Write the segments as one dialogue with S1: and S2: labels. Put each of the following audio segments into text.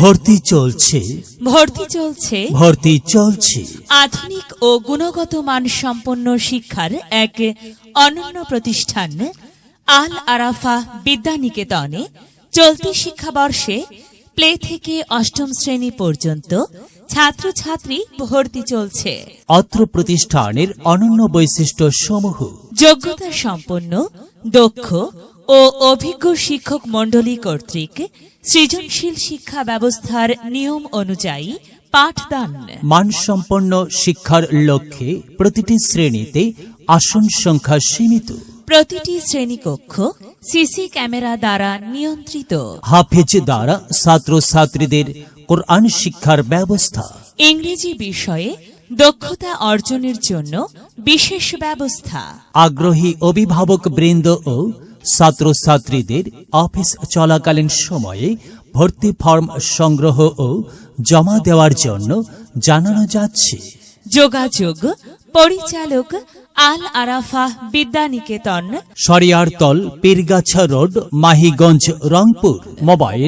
S1: ভর্তি চলছে
S2: ভর্তি চলছে আধুনিক ও গুণগত মানসম্পন্ন শিক্ষার এক অনন্য প্রতিষ্ঠান আল আরাফা বিদ্যানিকেতনে চলতি শিক্ষাবর্ষে প্লে থেকে অষ্টম শ্রেণী পর্যন্ত ছাত্রছাত্রী ভর্তি চলছে।
S1: অত্র প্রতিষ্ঠানের অনন্য বৈশিষ্ট্য সমূহ:
S2: যোগ্যতা সম্পন্ন, দক্ষ ও অভিজ্ঞ শিক্ষক মণ্ডলী কর্তৃক সৃজনশীল শিক্ষা ব্যবস্থার নিয়ম অনুযায়ী পাঠদান।
S1: মানসম্পন্ন শিক্ষার লক্ষ্যে প্রতিটি শ্রেণীতে আসন সংখ্যা সীমিত।
S2: প্রতিটি শ্রেণীকক্ষ সিসি ক্যামেরা দ্বারা নিয়ন্ত্রিত।
S1: হাফেজ দ্বারা ছাত্রছাত্রীদের কোরআন শিক্ষার ব্যবস্থা।
S2: ইংরেজি বিষয়ে দক্ষতা অর্জনের জন্য বিশেষ ব্যবস্থা।
S1: আগ্রহী অভিভাবক বৃন্দ ও ছাত্রছাত্রীদের অফিস চলাকালীন সময়ে ভর্তি ফর্ম সংগ্রহ ও জমা দেওয়ার জন্য জানানো যাচ্ছে।
S2: যোগাযোগ: পরিচালক আল আরাফা বিদ্যানিকেতন,
S1: শরিয়ারতল, পীরগাছা রোড, মাহিগঞ্জ, রংপুর। মোবাইল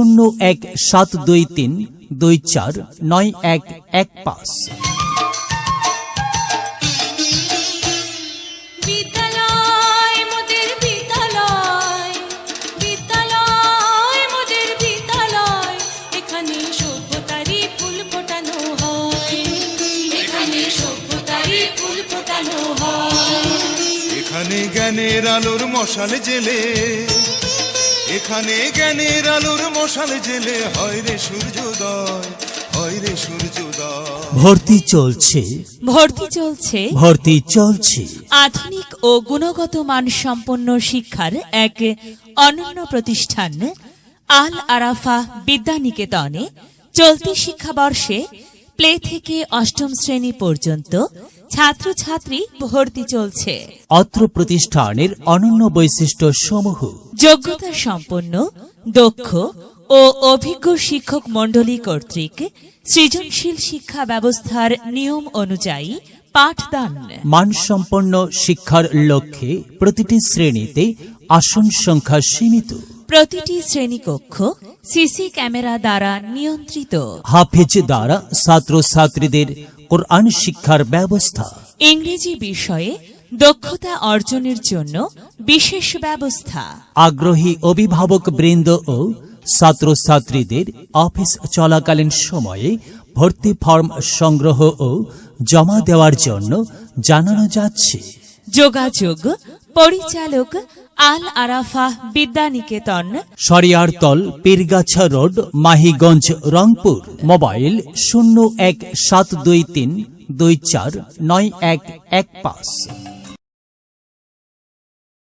S1: 0172324915।
S3: এখানে জ্ঞানের আলোর মশাল জেলে, এখানে জ্ঞানের আলোর মশাল জেলে হয় রে সূর্যোদয়, হয় রে সূর্যোদয়।
S1: ভর্তি চলছে
S2: ভর্তি চলছে আধুনিক ও গুণগত মানসম্পন্ন শিক্ষার এক অনন্য প্রতিষ্ঠান আল আরাফা বিদ্যানিকেতনে চলতি শিক্ষাবর্ষে প্লে থেকে অষ্টম শ্রেণী পর্যন্ত ছাত্রছাত্রী ভর্তি চলছে।
S1: অত্র প্রতিষ্ঠানের অনন্য বৈশিষ্ট্য সমূহ:
S2: যোগ্যতা সম্পন্ন, দক্ষ ও অভিজ্ঞ শিক্ষক মণ্ডলী কর্তৃক সৃজনশীল শিক্ষা ব্যবস্থার নিয়ম অনুযায়ী পাঠদান।
S1: মানসম্পন্ন শিক্ষার লক্ষ্যে প্রতিটি শ্রেণীতে আসন সংখ্যা সীমিত।
S2: প্রতিটি শ্রেণীকক্ষ সিসি ক্যামেরা দ্বারা নিয়ন্ত্রিত।
S1: হাফেজ দ্বারা ছাত্রছাত্রীদের কোরআন শিক্ষার ব্যবস্থা।
S2: ইংরেজি বিষয়ে দক্ষতা অর্জনের জন্য বিশেষ ব্যবস্থা।
S1: আগ্রহী অভিভাবক বৃন্দ ও ছাত্রছাত্রীদের অফিস চলাকালীন সময়ে ভর্তি ফর্ম সংগ্রহ ও জমা দেওয়ার জন্য জানানো যাচ্ছে।
S2: যোগাযোগ: পরিচালক আল আরাফা বিদ্যানিকেতন,
S1: শরিয়ারতল, পীরগাছা রোড, মাহিগঞ্জ, রংপুর। মোবাইল 0172324915।